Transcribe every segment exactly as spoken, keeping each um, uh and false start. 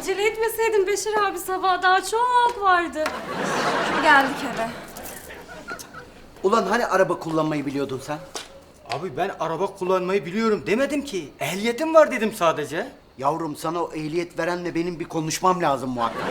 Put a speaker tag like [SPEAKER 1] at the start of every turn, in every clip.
[SPEAKER 1] acele etmeseydin Beşir abi, sabah daha çok vardı.
[SPEAKER 2] Geldik eve.
[SPEAKER 3] Ulan hani araba kullanmayı biliyordun sen?
[SPEAKER 4] Abi ben araba kullanmayı biliyorum demedim ki. Ehliyetim var dedim sadece.
[SPEAKER 3] Yavrum sana o ehliyet verenle benim bir konuşmam lazım muhakkak.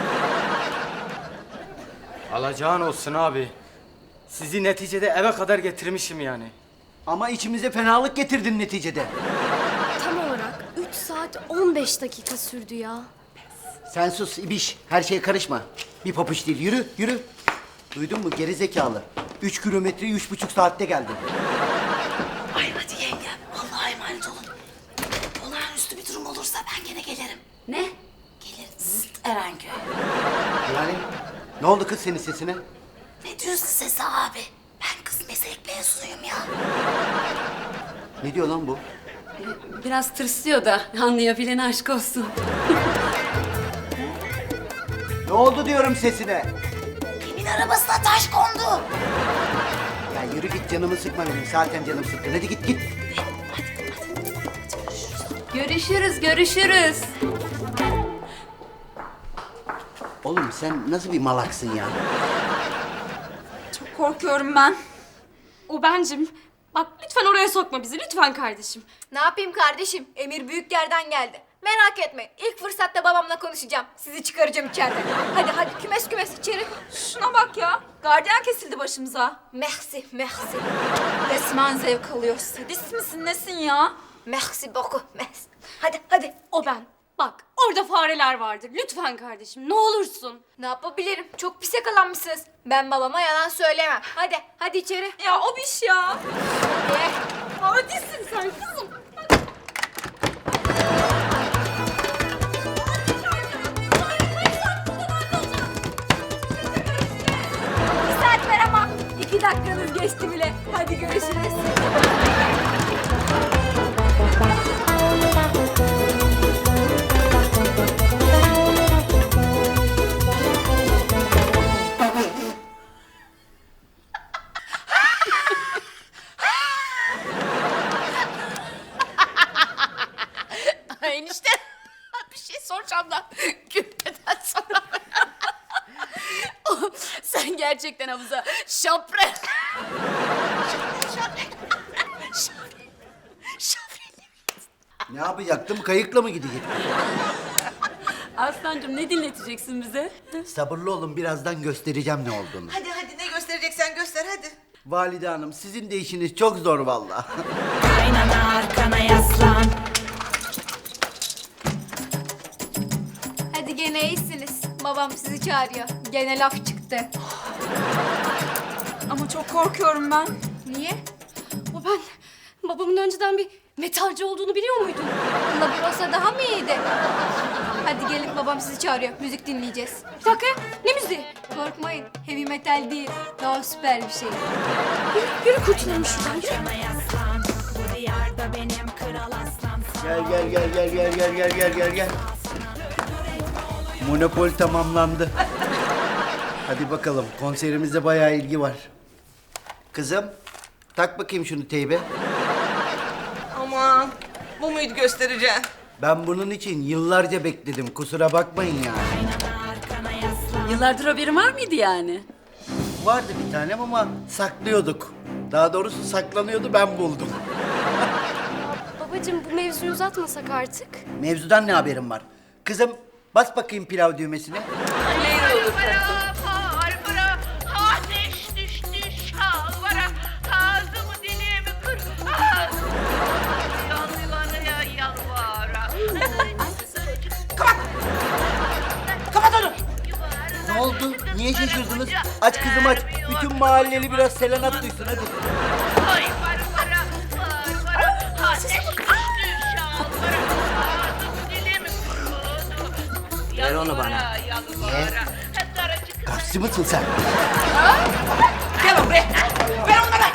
[SPEAKER 4] Alacağın olsun abi. Sizi neticede eve kadar getirmişim yani.
[SPEAKER 3] Ama içimize fenalık getirdin neticede.
[SPEAKER 1] Tam olarak üç saat on beş dakika sürdü ya.
[SPEAKER 3] Sen sus ibiş, her şeye karışma. Bir papuç değil, yürü, yürü. Duydun mu geri zekalı? Üç kilometreyi üç buçuk saatte geldin.
[SPEAKER 5] Ay hadi yengem. Allah'a emanet olun. Olağanüstü bir durum olursa ben gene gelirim.
[SPEAKER 1] Ne?
[SPEAKER 5] Gelir zıt Erenköy.
[SPEAKER 3] Yani ne oldu kız senin sesine?
[SPEAKER 5] Ne diyorsun Sesi abi? Ben kız meslek mezunuyum ya.
[SPEAKER 3] Ne diyor lan bu?
[SPEAKER 1] Biraz tırsıyor da anlayabilen aşk olsun.
[SPEAKER 3] Ne oldu diyorum sesine?
[SPEAKER 5] Kimin arabasına taş kondu?
[SPEAKER 3] Ya yürü git canımı sıkma benim. Zaten canım sıkkın. Hadi git git.
[SPEAKER 1] Görüşürüz, görüşürüz.
[SPEAKER 3] Oğlum sen nasıl bir malaksın ya?
[SPEAKER 2] Çok korkuyorum ben.
[SPEAKER 1] O bencim. Bak lütfen oraya sokma bizi, lütfen kardeşim.
[SPEAKER 6] Ne yapayım kardeşim? Emir büyük yerden geldi. Merak etme. İlk fırsatta babamla konuşacağım. Sizi çıkaracağım içeriden. Hadi hadi kümes kümes içeri.
[SPEAKER 2] Şuna bak ya. Gardiyan kesildi başımıza.
[SPEAKER 6] Merci, merci.
[SPEAKER 2] Resmen zevk alıyor. Sadist misin nesin ya?
[SPEAKER 6] Merci beaucoup, merci. Hadi hadi.
[SPEAKER 1] O ben. Bak orada fareler vardır. Lütfen kardeşim, ne olursun.
[SPEAKER 6] Ne yapabilirim? Çok pis yakalanmışsınız. Ben babama yalan söylemem. Hadi hadi içeri.
[SPEAKER 2] Ya o biş ya.
[SPEAKER 6] Ye.
[SPEAKER 1] Hadisin sen kızım.
[SPEAKER 6] Bir saat ver ama. İki dakikanız geçti bile. Hadi görüşürüz.
[SPEAKER 5] Ay enişte. Bir şey soracağım da gülmeden sonra. Oh, sen gerçekten havuza şapre. Şapre. Şapre. Şapre.
[SPEAKER 3] Ne yapacaktım? Kayıkla mı gidecektim?
[SPEAKER 1] Aslancığım ne dinleteceksin bize?
[SPEAKER 3] Sabırlı olun birazdan göstereceğim ne olduğunu.
[SPEAKER 7] Hadi hadi ne göstereceksen göster hadi.
[SPEAKER 3] Valide hanım sizin de işiniz çok zor vallahi.
[SPEAKER 5] Kaynana arkana yaslan.
[SPEAKER 6] Hadi gene iyisiniz. Babam sizi çağırıyor. Gene laf çıktı.
[SPEAKER 2] Ama çok korkuyorum ben.
[SPEAKER 6] Niye?
[SPEAKER 1] O ben. Babamın önceden bir metalci olduğunu biliyor muydun?
[SPEAKER 6] Laburosa daha mı iyiydi? Hadi gelin babam sizi çağırıyor. Müzik dinleyeceğiz.
[SPEAKER 1] Bir dakika, ne müziği?
[SPEAKER 6] Korkmayın. Heavy metal değil. Daha süper bir şey.
[SPEAKER 1] Yürü kurtulalım şuradan, yürü.
[SPEAKER 3] Gel gel gel gel gel gel gel gel gel gel. Monopol tamamlandı. Hadi bakalım konserimize bayağı ilgi var. Kızım tak bakayım şunu teybe.
[SPEAKER 7] Aman bu muydu göstereceğin?
[SPEAKER 3] Ben bunun için yıllarca bekledim kusura bakmayın yani.
[SPEAKER 1] Yıllardır haberin var mıydı yani?
[SPEAKER 3] Vardı bir tanem ama saklıyorduk. Daha doğrusu saklanıyordu ben buldum.
[SPEAKER 1] Babacığım bu mevzuyu uzatmasak artık.
[SPEAKER 3] Mevzudan ne haberin var? Kızım bas bakayım pilav düğmesine.
[SPEAKER 8] Barbara, ateş düştü şalvara, ağzımı dilimi kır, yalvara yalvara.
[SPEAKER 7] Kapat onu.
[SPEAKER 3] Ne oldu? Niye şaşırdınız? Aç kızım aç. Bütün mahalleli biraz selenat duysun hadi.
[SPEAKER 8] Ay Barbara, Barbara, ateş düştü şalvara, ağzımı dilimi kır.
[SPEAKER 3] Ver onu bana.
[SPEAKER 8] Yalvara, daracık
[SPEAKER 3] Karşı mısın sen?
[SPEAKER 7] Gel buraya. Ver onları.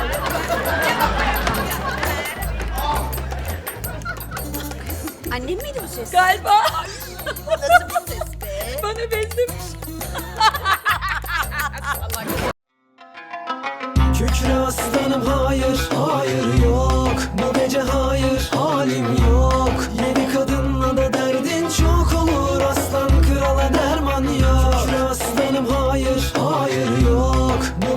[SPEAKER 6] Annem miydi bu ses?
[SPEAKER 2] Galiba.
[SPEAKER 5] Nasıl bir ses be?
[SPEAKER 2] Bana benzemiş.
[SPEAKER 9] Kükre aslanım hayır, hayır yok. Bu gece hayır, halim yok. Yedi kadınla da derdin çok olur aslan. yok. Bu